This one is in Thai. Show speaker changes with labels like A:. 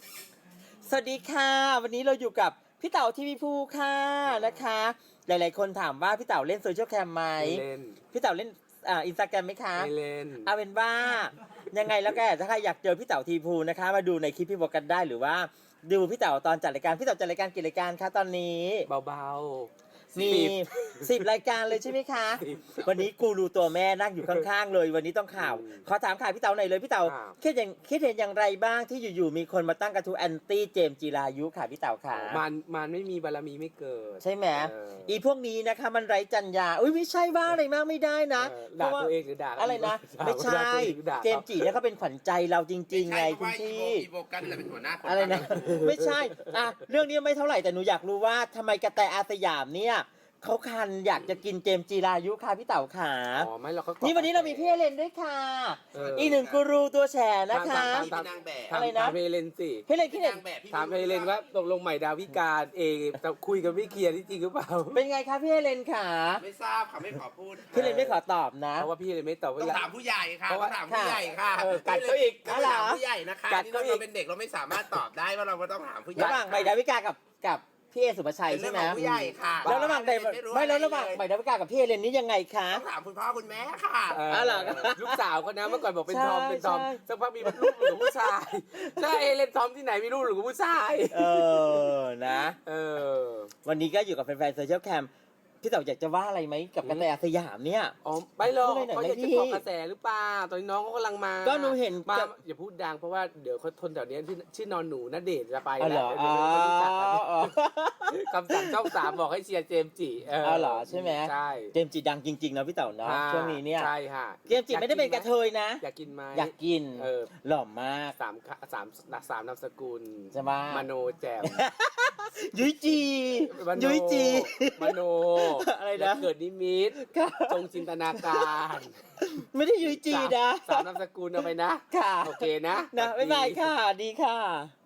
A: สวัสดีค่ะวันนี้เราอยู่กับพี่เต๋าทีวีภูค่ะนะคะหลายๆคนถามว่าพี่เต๋าเล่นโซเชียลแคมไหม
B: เล่น
A: พี่เต๋าเล่นอินสตาแกรมไหมคะ
B: ไม่เล่น
A: เอาเป็นว่ายังไงแล้วก็ถ้าใครอยากเจอพี่เต๋าทีวีภูนะคะมาดูในคลิปพี่บอกกันได้หรือว่าดูพี่เต๋าตอนจัดรายการพี่เต๋าจัดรายการกี่รายการคะตอนนี้
B: เบา
A: มี10 รายการเลยใช่ไหมคะวันนี้กูรูตัวแม่นั่งอยู่ข้างๆเลยวันนี้ต้องข่าวขอถามข่าวพี่เต๋าหน่อยเลยพี่เต๋าคิดเห็นอย่างไรบ้างที่อยู่ๆมีคนมาตั้งกระทู้แอนตี้เจมส์จีรายุค่ะพี่เต๋าค่ะ
B: มันไม่มีบารมีไม่เกิด
A: ใช่ไหมอีพวกนี้นะคะมันไร้จรรยาอุ้ยไม่ใช่ว่าอะไรมากไม่ได้นะ
B: ด่าตัวเองหรือด่า
A: อะไรนะไม่ใช่เจมส์จีเนี่ยเขาเป็นขวัญใจเราจริงๆไงคุณพี่
C: อีโบกันเป็นหัวหน้าคน
A: อะไรนะไม่ใช่เรื่องนี้ไม่เท่าไหร่แต่หนูอยากรู้ว่าทำไมกระแตอาสยามเนี่ยเขาคันอยากจะกินเจมส์จีรายุค่ะพี่เต๋าขา
B: อ๋อไม่เราก็
A: นี่วันนี้เรามีพี่เอเลนด้วยค่ะอีกหนึ่งกูรูตัวแฉนะคะ
C: เป็นนางแบบ
A: อะไรนะ
B: ถามเฮเลนสิ
A: เฮเลนคิดเห็น
B: ถามเฮเลนว่าตกลงใหม่ดาวิกาเองจะคุยกันไม่เคลียร์ที่จริงหรือเปล่า
A: เป็นไงคะพี่เฮเลนค่ะ
C: ไม่ทราบค่ะไม่ขอพูด
A: พี่เฮเลนไม่ขอตอบนะ
B: เพราะว่าพี่เฮเลนไม่ตอบ
C: ต้องถามผู้ใหญ่ค่ะต้องถามผู้ใหญ่ค่ะ
B: กัดเขาอีก
C: ต้องถามผู้ใหญ่นะคะที่เราเป็นเด็กเราไม่สามารถตอบได้ว่าเราต้องถามผู้ใหญ่
A: ระหว่างใหม่ดาวิกากับพี่เอสุภชัยใช่ไหม
C: ผู้ใหญ่ค่ะ
A: แล้วระหว่างระหว่างใหม่ดาวิกากับพี่เอเลนนี่ยังไงคะ
C: ต้องถามคุณพ่อคุณแม่ค่ะ
B: ลูกสาวเขานะเมื่อก่อนบอกเป็นทอมสักพักมีลูกหรือผู้ชายใช่เล่นทอมที่ไหนมีลูกหรือผู้ชาย
A: นะวันนี้ก็อยู่กับแฟนๆโซเชียลแคมพี่เต๋ออยากจะว่าอะไรไหมกับกระแตอาสยามเนี่ย
B: อ๋อไม่หรอกเขาอยากจะเกาะกระแสหรือเปล่าตอนนี้น้องเขากำลังมา
A: ก็หนูเห็น
B: มาอย่าพูดดังเพราะว่าเดี๋ยวเขาทนแถวนี้ชื่อนอนหนูณเดชน์จะไป
A: แล้ว
B: คำสั่งช่อง3บอกให้เชียร์เจมส์จิ
A: เหรอใช่ไหม
B: ใช่
A: เจมส์จิดังจริงๆนะพี่เต๋อเนาะช่วงนี้เนี่ย
B: ใช่ค่ะ
A: เจมส์จิไม่ได้เป็นกระเทยนะ
B: อยากกินไหม
A: อยากกินหล่อมาก
B: 3นามสกุล
A: ใช่ไหม
B: มโนแจ่ม
A: ยุ้ยจี
B: มโน
A: อะไรนะ
B: เกิดนิมิตจงจินตนาการ
A: ไม่ได้ยุ้ยจีนะ
B: 3นามสกุลเอาไปนะ
A: ค่ะ
B: โอเคนะ
A: บ๊ายบายค่ะดีค่ะ